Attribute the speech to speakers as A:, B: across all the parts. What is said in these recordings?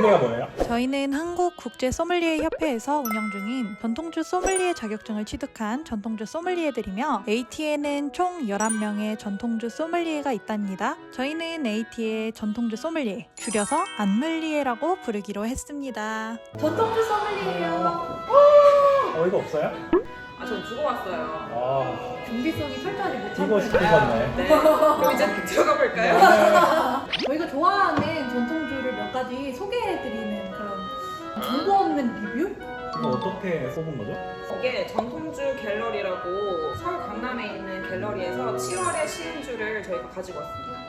A: 소믈리에가 뭐예요?
B: 저희는 한국국제소믈리에협회에서 운영 중인 전통주 소믈리에 자격증을 취득한 전통주 소믈리에들이며 AT에는 총 11명의 전통주 소믈리에가 있답니다. 저희는 AT의 전통주 소믈리에, 줄여서 안믈리에라고 부르기로 했습니다.
C: 전통주 소믈리에예요.
A: 이거 없어요?
D: 전 주고 왔어요.
C: 준비성이 철저하지 못한
A: 이거 시키셨네.
D: 네. 그럼 이제 들어가 볼까요?
C: 저희가 좋아하는 전통주를 몇 가지 소개해드리는 그런 정보 없는 리뷰?
A: 이거 어떻게 뽑은 거죠?
D: 이게 전통주 갤러리라고 서울 강남에 있는 갤러리에서 7월에 시인주를 저희가 가지고 왔습니다.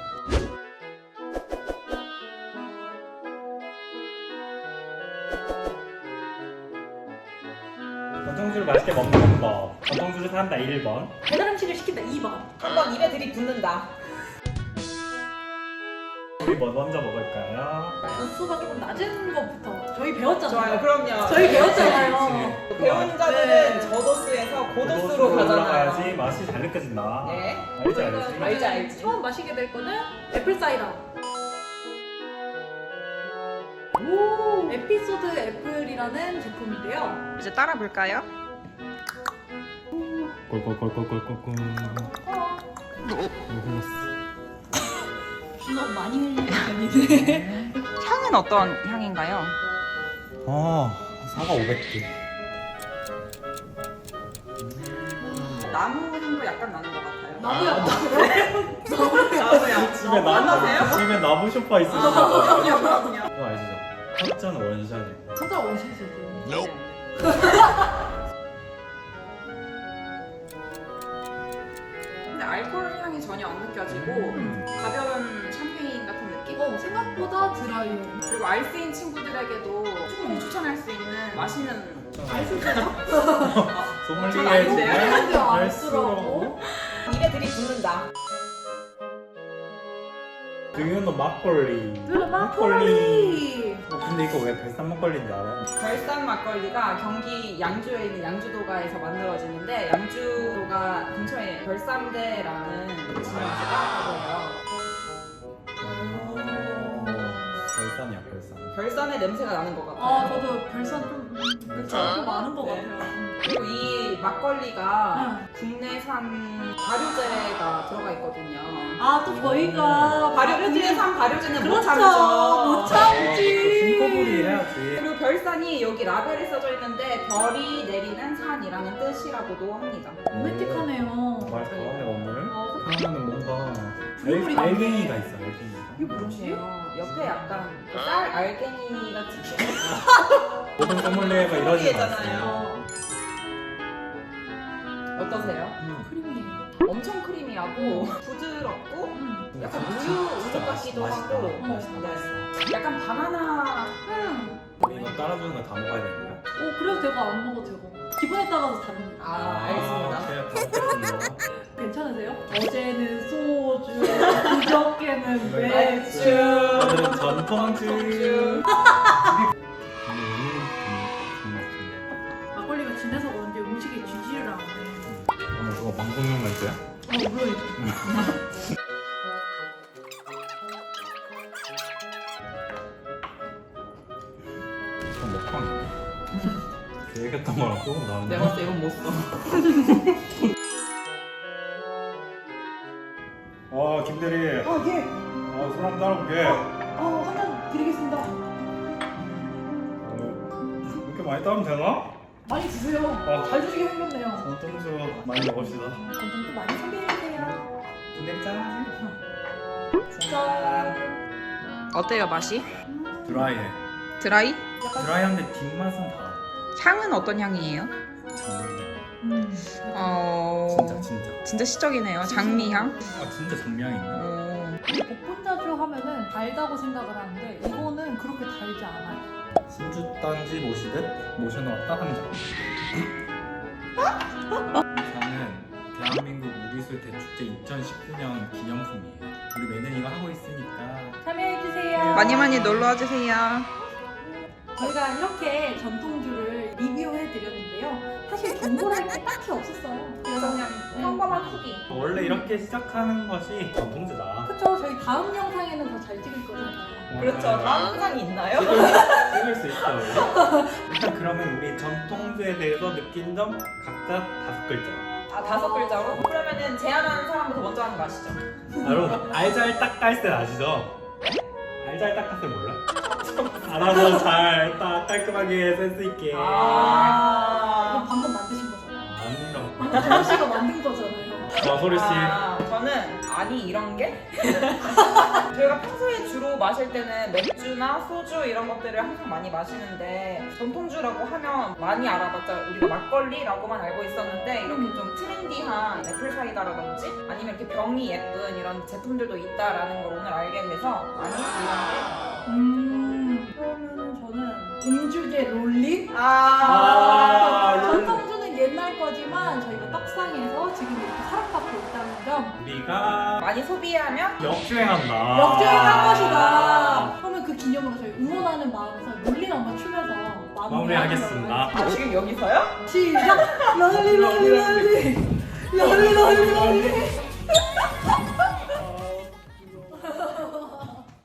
A: 전통주를 맛있게 먹는 법. 전통주를 산다 1번.
C: 배달 음식을 시킨다 2번.
D: 한번 입에 들이붓는다.
A: 우리 뭐 먼저 먹을까요?
C: 도수가 조금 낮은 것부터 저희 배웠잖아요.
D: 좋아요, 그럼요.
C: 저희 배웠잖아요.
D: 배운 자들은 저도수에서 고도수로 가잖아요.
A: 올라가야지 맛이 잘 느껴진다.
D: 네.
A: 알지 알지.
D: 알지, 알지.
C: 처음 마시게 될 거는 애플 사이다. 에피소드 애플이라는 제품인데요.
D: 이제 따라 볼까요?
A: 꼴꼴꼴꼴꼴꼴꼴. 흘렀어.
C: 너무 많이 흘리는 편이네.
D: 향은 어떤 향인가요?
A: 사과 500개.
D: 나무 향도 약간 나는 것 같아요.
C: 나무야.
D: 나무야.
A: 집에
D: 나무세요?
A: 집에 나무 쇼파 있으시죠?
D: 그럼요.
A: 그거 아시죠? 첫 원샷.
C: 진짜 원샷이죠.
D: 근데 알코올 향이 전혀 안 느껴지고 가벼운 샴페인 같은 느낌?
C: 생각보다 드라이해.
D: 그리고 알스인 친구들에게도 충분히 추천할 수 있는 맛있는
C: 알수있어요?
A: 소믈리에
D: 전 아닌데요?
C: 알수라고?
A: 알수라고?
D: 입에 들이붓는다.
A: 등유는 막걸리.
C: 막걸리.
A: 근데 이거 왜 별산 막걸리인지 알아요?
D: 별산 막걸리가 경기 양주에 있는 양주도가에서 만들어지는데 양주도가 근처에 별산대라는 지명에서 따왔다고 해요.
A: 별산이야 별산.
D: 별산의 냄새가 나는 것 같아요.
C: 저도 별산 좀 좀 많은 것
D: 네.
C: 같아요.
D: 그리고 이 막걸리가 국내산 발효제가 들어가 있거든요.
C: 또 저희가
D: 국내산 발효제는 못
C: 그렇죠.
D: 참죠.
C: 못 참지.
A: 숨고부리 해야지.
D: 그리고 별산이 여기 라벨에 써져 있는데 별이 내리는 산이라는 뜻이라고도 합니다.
C: 로맨틱하네요.
A: 말 잘하네 오늘.
C: 어,
A: 그러면은 뭔가
C: 국물이
A: 알갱이가 있어 알갱이가.
C: 이게 뭐지?
D: 옆에 약간 쌀 알갱이 같은
A: 모든 소믈리에가 이러지
D: 소믈리에잖아요.
A: 않아요.
D: 어떠세요?
C: 크리미해.
D: 엄청 크리미하고 부드럽고 약간 우유
A: 진짜
D: 같기도
A: 맛있다.
D: 하고
A: 맛있다.
D: 네. 약간 바나나
A: 이거 따라주는 거 다 먹어야 되는 거야?
C: 그래도 되고 안 먹어도 되고. 기분에 따라서 다릅니다.
D: 알겠습니다.
A: 제가 다 먹겠습니다.
C: 괜찮으세요? 어제는 소주, 그저께는 맥주.
A: 오늘은 전통주.
C: 막걸리가 진해서 그런지 음식에 쥐지를 않네.
A: 오늘 그거 방송용 멘트야?
C: 물론이죠.
A: 그럼 먹방. 계획했던 거랑 조금 다른데.
D: 내가 봤을 때 이건 못 써.
A: 김대리.
C: 예.
A: 술 한잔 따라볼게.
C: 한잔 드리겠습니다.
A: 이렇게 많이 따면 되나?
C: 많이 드세요. 잘 드시게 생겼네요.
A: 전통주 많이 먹읍시다.
C: 건강도 많이 소비해주세요.
A: 김대리 짠.
C: 짠.
D: 어때요 맛이?
A: 드라이해.
D: 드라이?
A: 드라이한데 뒷맛은 다.
D: 향은 어떤 향이에요?
A: 장미향. 진짜.
D: 시적이네요. 장미향.
A: 진짜 장미향이네.
C: 복분자주 하면은 달다고 생각을 하는데 이거는 그렇게 달지 않아요.
A: 신주단지 모시듯 모셔놓았다 한 장. 저는 대한민국 우리술 대축제 2019년 기념품이에요. 우리 매년이가 하고 있으니까.
C: 참여해주세요.
D: 많이 놀러와 주세요.
C: 저희가 이렇게 전통주를 리뷰해드렸는데요. 사실 정보를 할 게 딱히 없었어요. 그래서 그냥 평범한 후기.
A: 원래 이렇게 시작하는 것이 전통주다.
C: 그쵸? 저희 다음 영상에는 더 잘 찍을 거잖아요.
D: 그렇죠. 다음 영상이 있나요?
A: 찍을 수 있어요. 일단 그러면 우리 전통주에 대해서 느낀 점 각자 5글자.
D: 아, 5글자로? 그러면은 제안하는 사람부터 먼저 하는 거 아시죠?
A: 바로 알잘딱깔센 아시죠? 알잘딱깔센 몰라? 알아서 잘 딱 깔끔하게 센스 있게.
C: 이거
D: 아,
C: 방금 만드신 거잖아요.
A: 아니라고.
C: 방금 정우 씨가 만든 거잖아요.
A: 소리 씨.
D: 저는 아니 이런 게? 저희가 평소에 주로 마실 때는 맥주나 소주 이런 것들을 항상 많이 마시는데 전통주라고 하면 많이 알아봤자 우리가 막걸리라고만 알고 있었는데 이렇게 좀 트렌디한 애플사이다라든지 아니면 이렇게 병이 예쁜 이런 제품들도 있다라는 걸 오늘 알게 돼서 아니
C: 그러면은 저는 음주계 롤링?
A: 롤링.
C: 전통주는 옛날 거지만 저희가 떡상에서 지금 이렇게 사랑받고 있다는 점
A: 우리가
D: 많이 소비하면
A: 역주행한다.
C: 역주행한 것이다. 그러면 그 기념으로 저희 응원하는 마음에서 롤링 한번 추면서
A: 마무리하겠습니다.
D: 아, 지금 여기서요?
C: 시작! 롤리 롤리 롤리 롤리 롤리 롤리